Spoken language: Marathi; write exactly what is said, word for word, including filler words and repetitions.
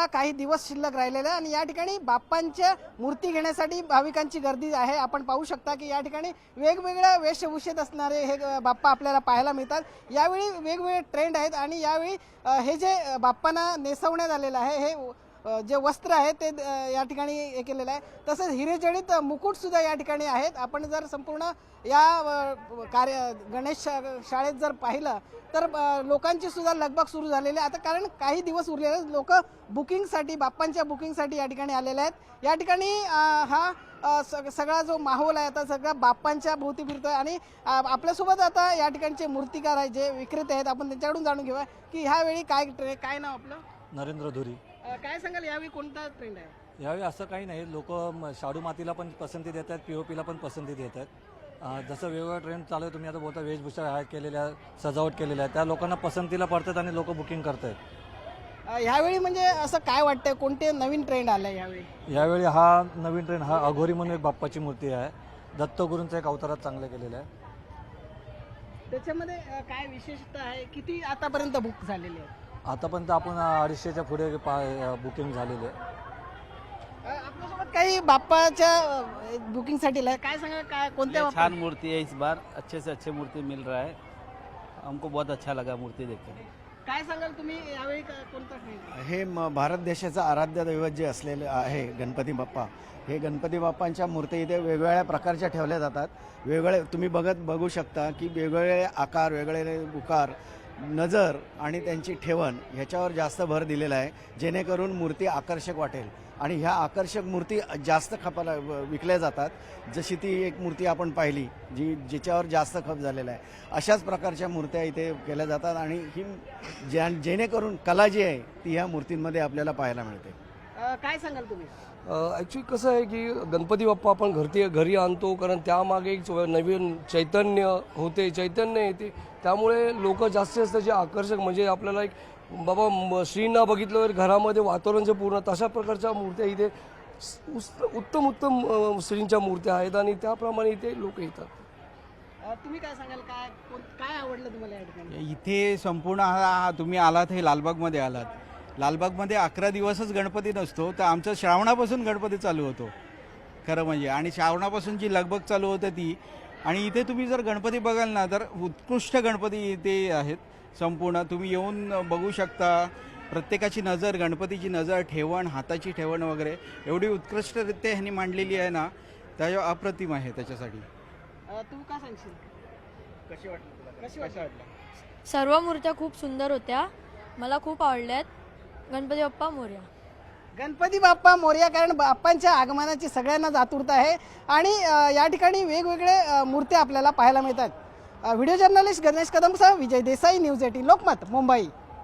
उत्सवाला काही दिवस शिल्लक राहिलेले आहे आणि या ठिकाणी बाप्पांच्या मूर्ती घेण्यासाठी भाविकांची गर्दी आहे। आपण पाहू शकता की या ठिकाणी वेगवेगळ्या वेशभूषेत असणारे हे बाप्पा आपल्याला पाहायला मिळतात। यावेळी वेगवेगळे ट्रेंड आहेत आणि यावेळी हे जे बाप्पांना नेसवण्यात आलेलं आहे हे जे वस्त्र आहे ते या ठिकाणी हे केलेलं आहे। तसेच हिरेजडित मुकुट सुद्धा या ठिकाणी आहेत। आपण जर संपूर्ण या कार्य गणेश शाळेत जर पाहिलं तर लोकांची सुद्धा लगबग सुरू झालेली आहे। आता कारण काही दिवस उरलेले लोक बुकिंगसाठी बाप्पांच्या बुकिंगसाठी या ठिकाणी आलेले आहेत। या ठिकाणी हा सगळा जो माहोल आहे आता सगळा बाप्पांच्या भोवती फिरतोय आणि आपल्यासोबत आता या ठिकाणचे मूर्तिकार आहेत जे विक्रेते आहेत आपण त्यांच्याकडून जाणून घेऊया की ह्यावेळी काय काय नाव आपलं? नरेंद्र धुरी। काय सांगाल यावेळी कोणता ट्रेंड आहे? यावेळी असं काही नाही, लोक शाडू मातीला पण पसंती देत आहेत, पीओपीला पण पसंती देत आहेत। जसं वेगवेगळा ट्रेंड चालू आहे, तुम्ही आता बोलता वेशभूषा आहे केलेल्या सजावट केलेल्या आहे त्या लोकांना पसंतीला पडतात आणि लोक बुकिंग करत आहेत। यावेळी म्हणजे असं काय वाटतंय कोणते नवीन ट्रेंड आलाय यावेळी? यावेळी हा नवीन ट्रेंड हा अघोरी म्हणून एक बाप्पाची मूर्ती आहे, दत्तगुरूंचा एक अवतारात चांगलं केलेलं आहे। त्याच्यामध्ये काय विशेषता आहे? किती आतापर्यंत बुक झालेले आहे? आतापर्यंत आपण अडीचशेच्या पुढे बुकिंग झालेली आहे। आपल्यासोबत काही बाप्पाच्या बुकिंगसाठी काय सांगा काय कोणत्या छान मूर्ति है इस बार, अच्छे से अच्छे मूर्ति मिल रहा है, हमको बहुत अच्छा लगा मूर्ति देखकर। काय सांगाल तुम्ही यावेळी कोणता ट्रेंड? हे भारत देशाचा आराध्य दैवत जे असलेले आहे गणपती बाप्पा, हे गणपती बाप्पांच्या मूर्ती इथे वेगवेगळ्या प्रकारच्या ठेवल्या जातात। वेगवेगळे तुम्ही बघत बघू शकता की वेगवेगळे आकार, वेगवेगळे उकार, नजर आणि त्यांची ठेवण ह्याच्यावर जास्त भर दिलेला आहे जेणेकरून मूर्ती आकर्षक वाटेल आणि ह्या आकर्षक मूर्ती जास्त खपाला विकल्या जातात। जशी ती एक मूर्ती आपण पाहिली जी जिच्यावर जास्त खप झालेला आहे, अशाच प्रकारच्या मूर्त्या इथे केल्या जातात आणि ही ज्या जेणेकरून कला जी आहे ती ह्या मूर्तींमध्ये आपल्याला पाहायला मिळते। काय सांगाल तुम्ही? ॲक्च्युली कसं आहे की गणपती बाप्पा आपण घरती घरी आणतो कारण त्यामागे एक नवीन चैतन्य होते, चैतन्य येते, त्यामुळे लोक जास्तीत जास्त जे आकर्षक म्हणजे आपल्याला एक बाबा श्रींना बघितलं घरामध्ये वातावरणचं पूर्ण तशा प्रकारच्या मूर्त्या इथे उत्तम उत्तम श्रींच्या मूर्त्या आहेत आणि त्याप्रमाणे इथे लोक येतात। तुम्ही काय सांगाल काय काय आवडलं तुम्हाला या ठिकाणी? इथे संपूर्ण हा तुम्ही आलात हे लालबागमध्ये आलात, लालबागमध्ये अकरा दिवसच गणपती नसतो तर आमचं श्रावणापासून गणपती चालू होतो खरं म्हणजे, आणि श्रावणापासून जी लगबग चालू होते ती, आणि इथे तुम्ही जर गणपती बघाल ना तर उत्कृष्ट गणपती इथे आहेत संपूर्ण। तुम्ही येऊन बघू शकता, प्रत्येकाची नजर, गणपतीची नजर, ठेवण, हाताची ठेवण वगैरे एवढी उत्कृष्टरित्या ह्यांनी मांडलेली आहे ना, त्या अप्रतिम आहे। त्याच्यासाठी तू काय सांगशील? कशी वाटली तुला? कशी वाटलं? सर्व मूर्त्या खूप सुंदर होत्या, मला खूप आवडल्यात। गणपती बाप्पा मोरया। गणपती बाप्पा मोरया, कारण बाप्पांच्या आगमनाची सगळ्यांनाच आतुरता आहे आणि या ठिकाणी वेगवेगळे मूर्त्या आपल्याला पाहायला मिळतात। व्हिडिओ जर्नलिस्ट गणेश कदमसह विजय देसाई, न्यूज एटीन लोकमत, मुंबई।